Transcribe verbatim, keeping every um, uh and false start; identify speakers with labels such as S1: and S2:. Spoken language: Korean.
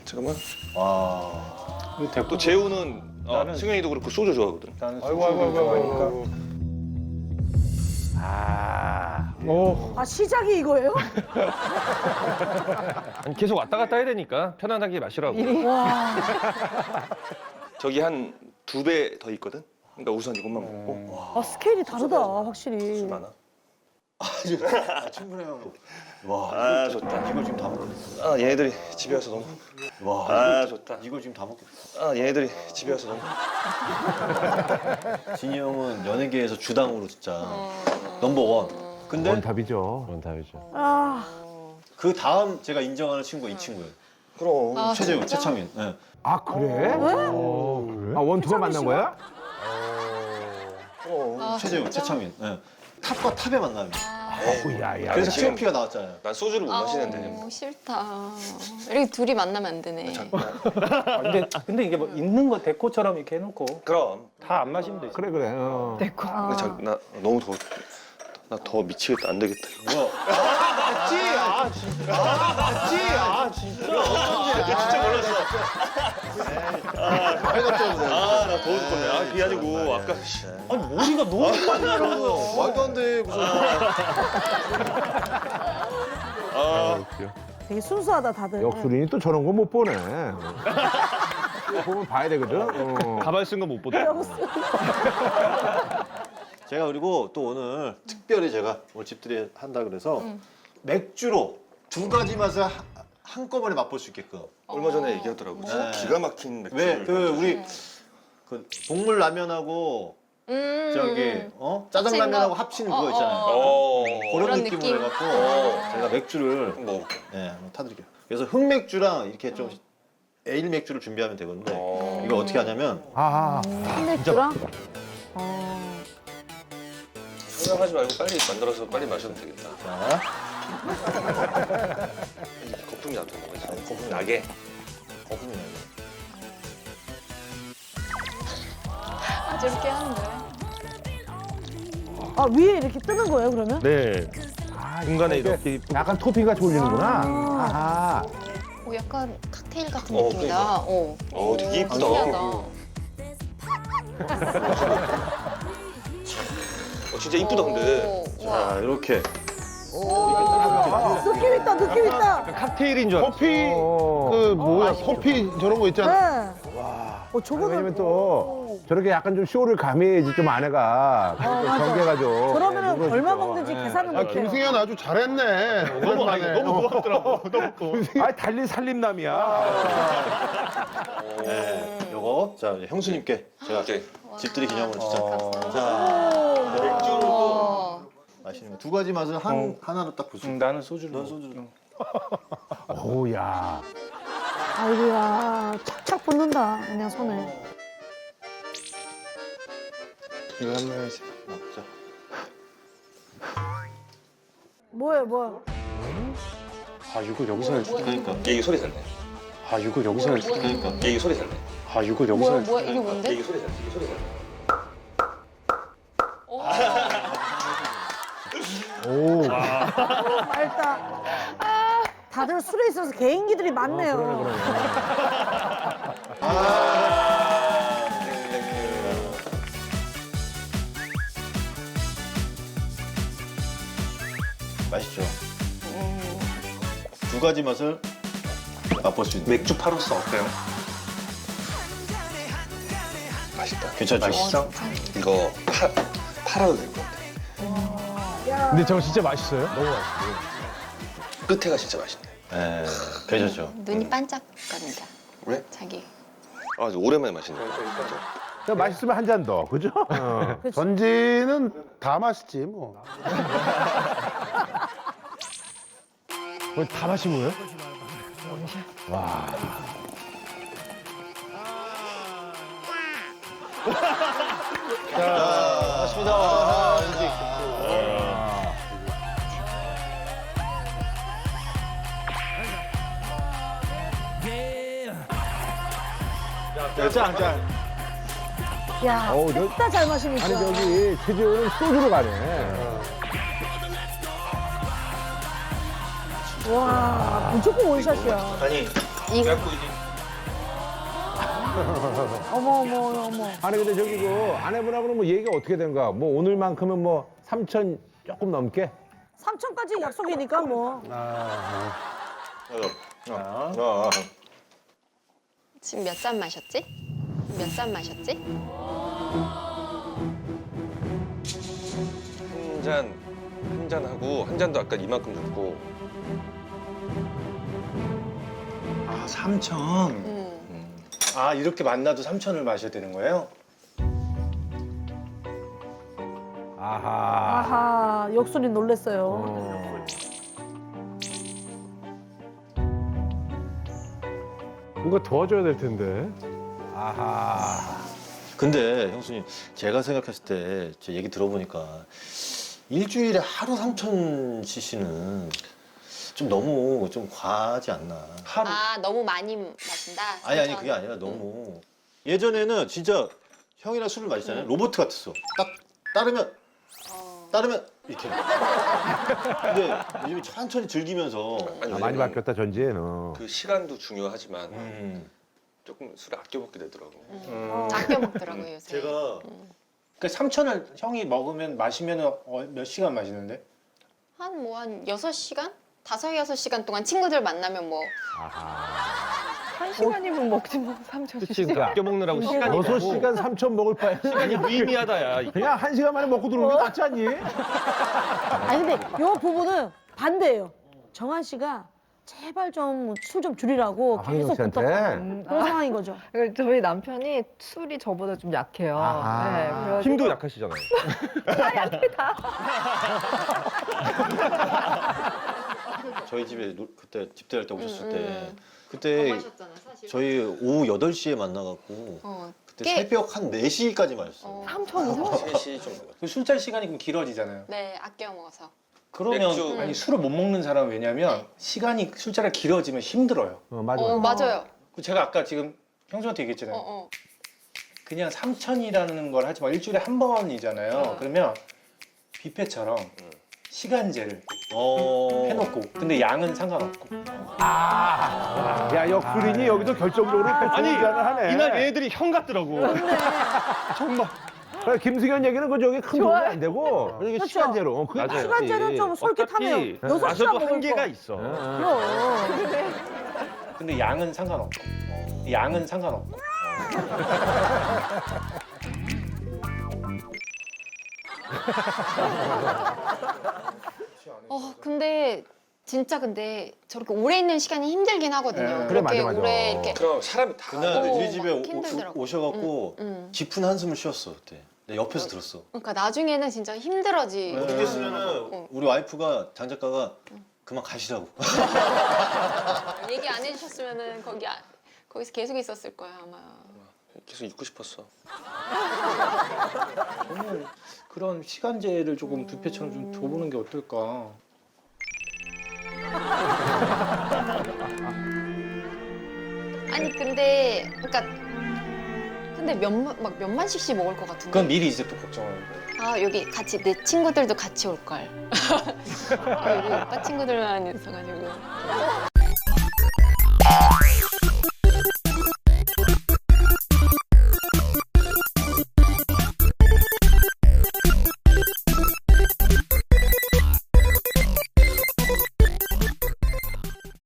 S1: 잠깐만.
S2: 와.
S1: 또 재우는 어, 나는... 승현이도 그렇고 소주 좋아하거든.
S2: 나는
S3: 아이고 아이고 아이고 아이고.
S4: 아,
S3: 오.
S5: 아 시작이 이거예요?
S4: 계속 왔다 갔다 해야 되니까 편안하게 마시라고.
S5: 와.
S1: 저기 한 두 배 더 있거든. 그러니까 우선 이것만 먹고.
S5: 아 스케일이 다르다 확실히.
S1: 술 많아.
S2: 아, 충분해요. 와,
S1: 아
S2: 이거,
S1: 좋다.
S2: 이걸 지금 다 먹겠어.
S1: 아 얘네들이 집에 와서 너무.
S2: 와,
S1: 아
S2: 이걸,
S1: 좋다.
S2: 이걸 지금 다 먹겠어.
S1: 아 얘네들이 집에 와서 너무.
S2: 진이 형은 연예계에서 주당으로 진짜 넘버 원. 근데
S4: 원탑이죠. 원탑이죠.
S5: 아.
S2: 그 다음 제가 인정하는 친구가 이 친구예요.
S1: 그럼.
S6: 아,
S2: 최재훈,
S6: 진짜?
S2: 최창민. 네.
S4: 아 그래? 어, 그래? 아 원투가 만난 거야?
S1: 그럼.
S6: 아,
S2: 최재훈,
S6: 진짜?
S2: 최창민. 네. 탑과 탑의 만남이에요.
S1: 에이,
S4: 야야.
S2: 그래서
S1: 지금-
S2: 티오피가 나왔잖아요.
S1: 난 소주를 못 마시는데.
S6: 아우, 싫다. 이렇게 둘이 만나면 안 되네.
S3: 아, 근데 근데 이게 뭐 있는 거 데코처럼 이렇게 해놓고
S1: 그럼.
S3: 다 안 마시면 되지.
S4: 그래 그래. 어.
S1: 근데 자, 나 너무 더워. 나 더 미치겠다. 안 되겠다. 이거.
S2: 뭐야?
S3: 맞지? 아 진짜. 아 맞지? 아 진짜.
S1: 진짜 몰랐어.
S2: 빨갛죠,
S1: 아, 나 더워 죽겠네. 아, 그게 아니고 아까 씨.
S3: 아니 머리가 너무 빨리 나는 거야.
S2: 말도 안 돼. 무슨.
S1: 아,
S5: 되게 순수하다 다들.
S4: 역술인이 또 저런 거 못 보네. 이거 보면 봐야 되거든. 어.
S1: 가발 쓴 거 못 보다.
S2: 제가 그리고 또 오늘 특별히 제가 오늘 집들이 한다 그래서 맥주로 두 가지 맛을 하- 한꺼번에 맛볼 수 있게끔.
S1: 얼마 전에 얘기하더라고. 진짜
S2: 네.
S1: 기가 막힌 맥주.
S2: 왜 그 우리 그 복물 라면하고
S6: 음.
S2: 저기 어 짜장 라면하고 합치는 그거 있잖아요.
S1: 어.
S2: 그런,
S6: 그런
S2: 느낌으로
S6: 느낌?
S2: 해갖고
S1: 어.
S2: 제가 맥주를
S1: 뭐.
S2: 예 한번 타드릴게요. 그래서 흑맥주랑 이렇게 좀 에일 맥주를 준비하면 되거든요.
S1: 어.
S2: 이걸 어떻게 하냐면
S4: 아,
S5: 맥주랑. 어.
S1: 생각하지 말고 빨리 만들어서 빨리 마셔도 되겠다.
S2: 자
S1: 거품이 나도 거지. 거품 나게.
S2: 거품이 나요.
S6: 아, 저렇게 하는 거야?
S5: 아 위에 이렇게 뜨는 거예요 그러면?
S4: 네. 중간에 이렇게 약간 토핑 같이 올리는구나. 아하.
S6: 오, 약간 칵테일 같은
S1: 어,
S6: 느낌이다.
S1: 그러니까.
S6: 어.
S1: 어, 되게 이쁘다.
S6: 신기하다.
S1: 어, 진짜 이쁘다 근데.
S6: 오, 와.
S2: 자 이렇게
S5: 느낌 있다 느낌 있다.
S4: 칵테일인 줄 알았어.
S3: 커피
S4: 어.
S3: 그 뭐야 커피 저런 거 있잖아.
S5: 네. 어 저거는.
S4: 왜냐면 또 저렇게 약간 좀 쇼를 가미해야지 좀 아내가
S5: 어, 맞아.
S4: 경계가 좀.
S5: 그러면은
S4: 네,
S5: 얼마
S4: 누그러지죠.
S5: 먹는지
S4: 네.
S5: 계산은
S3: 아
S5: 못해요.
S3: 김승현 아주 잘했네. 너무 아니, 너무 고맙더라고. 너무 고마워.
S4: 아 달리 살림남이야.
S2: 네, 요거 자 이제 형수님께 제가
S1: 오케이.
S2: 집들이 기념으로 진짜
S4: 어.
S2: 자 맥주를 또
S6: 어.
S2: 마시는 거 두 가지 맛을 한 하나로 딱 볼 수
S3: 응,
S2: 있어.
S3: 나는 소주를.
S2: 넌
S3: 먹어.
S2: 소주를.
S4: 오야.
S5: 아이고야 착착 붙는다 그냥 손에.
S3: 이거 한번 해야지.
S2: 자.
S5: 뭐예요 뭐예요?
S3: 아 이거 여기서 할 수.
S2: 그러니까
S1: 얘기 소리 샀네.
S3: 아 이거 여기서 할 수.
S2: 그러니까
S1: 얘기 소리 샀네.
S3: 아 이거 여기서
S6: 뭐야,
S3: 할 수.
S6: 뭐야, 이게 뭔데?
S1: 얘기 소리 샀네. 얘기 소리 샀네.
S4: 오.
S5: 맑다. 다들 술에 있어서 개인기들이 많네요.
S4: 그러네 그러네.
S2: 아, 맛있죠. 두 가지 맛을 맛볼 수 있는.
S1: 맥주 파로스 어때요? 맛있다.
S2: 괜찮죠?
S1: 맛있어? 이거 파, 팔아도 될 것 같아.
S4: 근데 저거 진짜 맛있어요? 너무 맛있어.
S1: 끝에가 진짜 맛있네.
S2: 네, 괜찮죠.
S6: 눈이 반짝거린다.
S1: 왜?
S6: 자기.
S1: 아, 오랜만에 마시네.
S4: 그냥 맛있으면 한 잔 더, 그죠? 어.
S3: 전지는 다 맛있지 뭐.
S4: 거의 다 마신 거예요? 와.
S2: 자, 맞습니다. 아, 이제
S3: 짠 짠.
S5: 야,
S4: 어우, 저-
S5: 셋 다 잘 마시니까.
S4: 아니 저기 최지호는 소주로 가네.
S5: 와, 무조건 원샷이야.
S1: 아니,
S6: 이거
S1: 약국이지.
S5: 어머 어머 어머.
S4: 아니 근데 저기 그 아내분하고는 뭐 얘기가 어떻게 된 거야? 뭐 오늘만큼은 뭐 삼천 조금 넘게?
S5: 삼천까지 약속이니까 뭐.
S2: 자,
S1: 아,
S6: 지금 몇 잔 마셨지? 몇 잔 마셨지?
S1: 한 잔, 한 잔 하고 한 잔도 아까 이만큼 줬고.
S3: 아, 삼천.
S6: 음.
S3: 아, 이렇게 만나도 삼천을 마셔야 되는 거예요?
S4: 아하.
S5: 아하 역술이 놀랬어요.
S4: 어. 뭔가 도와줘야 될 텐데. 아하.
S2: 근데 형수님 제가 생각했을 때 제 얘기 들어보니까 일주일에 하루 삼천 씨씨는 좀 너무 좀 과하지 않나.
S3: 하루.
S6: 아 너무 많이 마신다.
S2: 아니 아니
S6: 삼천.
S2: 그게 아니라 너무 예전에는 진짜 형이랑 술을 마시잖아요.
S6: 응.
S2: 로봇 같았어. 딱 따르면
S6: 어.
S2: 따르면 이렇게. 근데 요즘 천천히 즐기면서
S1: 아니,
S4: 아, 많이
S1: 왜냐면
S4: 바뀌었다 전지에는.
S1: 그 시간도 중요하지만
S2: 음,
S1: 조금 술을 아껴 먹게 되더라고.
S6: 음. 아껴 먹더라고요 요새.
S2: 제가
S3: 그 삼천을 형이 먹으면 마시면 어, 몇 시간 마시는데?
S6: 한 뭐 한 여섯 시간? 다섯 여섯 시간 동안 친구들 만나면 뭐
S7: 한 시간이면 먹지 뭐 삼천 원.
S8: 그치, 그 아껴 먹느라고 시간이
S4: 여섯 시간 삼천 먹을 바에
S8: 시간이 무의미하다, 야. 이게.
S4: 그냥 한 시간 만에 먹고 들어오는 게 낫지 않니?
S5: 아니 근데 요 부분은 반대예요. 정한 씨가 제발 좀 술 좀 줄이라고
S4: 아,
S5: 계속
S4: 황인영 씨한테?
S5: 부탁하는 그런 상황인 거죠.
S7: 그러니까 저희 남편이 술이 저보다 좀 약해요.
S4: 아하.
S7: 네, 그래가지고
S8: 힘도 약하시잖아요.
S2: 저희 집에 노- 그때 집들할 때 오셨을
S6: 음,
S2: 때
S6: 음.
S2: 그때
S6: 마셨잖아 사실.
S2: 저희 오후 여덟 시에 만나갖고
S6: 어.
S2: 그때
S6: 꽤-
S2: 새벽 한 네 시까지 마셨어요.
S6: 어.
S7: 삼천이요?
S1: 세 시 정도.
S3: 그 술자리 시간이 그럼 길어지잖아요.
S6: 네 아껴 먹어서.
S3: 그러면
S1: 맥주.
S3: 아니 술을 못 먹는 사람은 왜냐면
S6: 네.
S3: 시간이 술자리가 길어지면 힘들어요.
S4: 어, 맞아.
S6: 어 맞아요.
S3: 그 제가 아까 지금 형수한테 얘기했잖아요.
S6: 어 어.
S3: 그냥 삼천이라는 걸 하지 마. 일주일에 한 번이잖아요.
S6: 어.
S3: 그러면 뷔페처럼 시간제를
S2: 어...
S3: 해놓고 근데 양은 상관없고.
S4: 야, 역술인이 여기도 결정적으로
S8: 아니,
S4: 아니, 하네.
S8: 이날 얘들이 형 같더라고. 정말.
S4: 그래, 김승현 얘기는 그 저기 큰 도움이 안 되고 이게
S5: 그렇죠.
S4: 시간제로. 어, 그게
S8: 맞아요.
S5: 시간제는 좀 솔깃하네요.
S8: 어차피
S5: 여섯 시간
S8: 마셔도
S5: 먹을
S8: 한계가
S5: 거.
S8: 있어.
S5: 그럼.
S3: 근데 양은 상관없고. 양은 상관없고.
S6: 어 근데 진짜 근데 저렇게 오래 있는 시간이 힘들긴 하거든요.
S3: 네.
S4: 그래,
S6: 그렇게
S4: 맞아, 맞아.
S6: 오래 이렇게.
S1: 그럼 사람이 다
S2: 그날
S6: 어,
S2: 우리 집에
S6: 막
S2: 오,
S6: 힘들더라고.
S2: 오셔갖고
S6: 음.
S2: 깊은 한숨을 쉬었어 그때. 내 옆에서 들었어.
S6: 그러니까 나중에는 진짜 힘들어지.
S2: 어떻게
S6: 음.
S2: 했으면은 우리 와이프가 장 작가가 그만 가시라고.
S6: 얘기 안 해주셨으면은 거기 아- 거기서 계속 있었을 거야 아마.
S1: 계속 있고 싶었어.
S3: 저는 그런 시간제를 조금 뷔페처럼 좀 줘보는 게 어떨까.
S6: 아니 근데 그러니까 근데 몇만 막 몇만씩씩 먹을 것 같은데.
S3: 그건 미리 이제 또 걱정하는 거예요.
S6: 아 여기 같이 내 친구들도 같이 올 걸. 아, 여기 오빠 친구들만 있어가지고.